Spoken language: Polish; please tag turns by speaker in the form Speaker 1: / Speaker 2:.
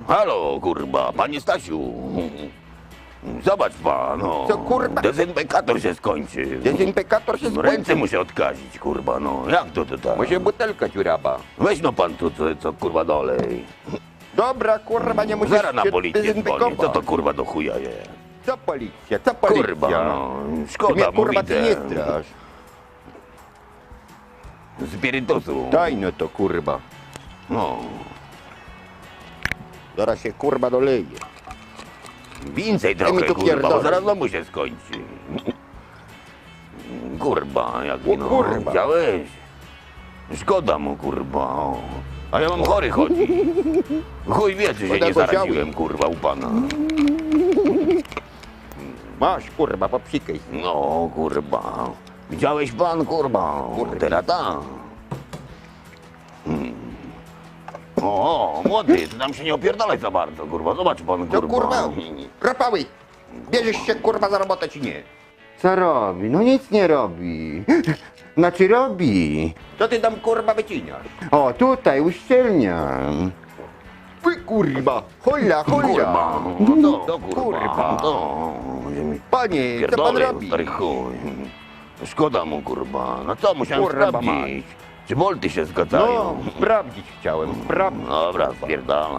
Speaker 1: Halo, kurwa, panie Stasiu. Zobacz pan, no.
Speaker 2: Co, kurwa?
Speaker 1: Dezynfekator się skończył.
Speaker 2: Dezynfekator się
Speaker 1: No,
Speaker 2: skończył.
Speaker 1: ręce muszę odkazić, kurwa, no. Jak to tak?
Speaker 2: Może butelka dziurawa.
Speaker 1: Weź no pan tu, co kurwa dolej.
Speaker 2: Dobra, kurwa, nie musisz
Speaker 1: Zaraz na
Speaker 2: się
Speaker 1: policję dzwonię.
Speaker 2: dezynfekować.
Speaker 1: Co to kurwa do chuja jest?
Speaker 2: Co policja, co policja?
Speaker 1: Kurwa, no.
Speaker 2: Ty
Speaker 1: Szkoda,
Speaker 2: mnie, kurwa,
Speaker 1: mówię.
Speaker 2: ty nie strasz.
Speaker 1: Spirytusu.
Speaker 2: Daj no to, kurwa.
Speaker 1: No.
Speaker 2: Zaraz się, kurwa, doleje.
Speaker 1: Więcej
Speaker 2: mi
Speaker 1: trochę,
Speaker 2: tu
Speaker 1: kurwa, bo
Speaker 2: pierdolę.
Speaker 1: zaraz domu się skończy. Kurwa, jak
Speaker 2: O,
Speaker 1: no.
Speaker 2: kurwa.
Speaker 1: Chciałeś? Szkoda mu, kurwa. O. A ja mam chory chodzi. Chuj wie, czy się
Speaker 2: Woda
Speaker 1: nie
Speaker 2: go
Speaker 1: zaraziłem, kurwa, u pana.
Speaker 2: Masz, kurwa, popsikaj.
Speaker 1: No, kurwa. Widziałeś pan, kurwa?
Speaker 2: Kurwa.
Speaker 1: Teraz tak. O, młody, ty tam się nie opierdalaj za bardzo, kurwa. Zobacz pan,
Speaker 2: To,
Speaker 1: kurwa.
Speaker 2: kurwa, rapały. Bierzesz się, kurwa, za robotę, czy nie?
Speaker 3: Co robi? No nic nie robi. Znaczy robi.
Speaker 2: Co ty tam, kurwa, wycinasz?
Speaker 3: O, tutaj uszczelniam.
Speaker 2: Wy, kurwa, hola, hola.
Speaker 1: Kurwa, no to kurwa,
Speaker 2: Kurwa.
Speaker 1: to.
Speaker 2: Panie, co pan
Speaker 1: Pierdolę,
Speaker 2: robi?
Speaker 1: stary chuj. Szkoda mu, kurwa. No co, musiałem
Speaker 2: Kurwa,
Speaker 1: sprawdzić, czy bolty się zgadzają.
Speaker 2: No, sprawdzić chciałem, sprawdzić.
Speaker 1: Dobra, spierdala.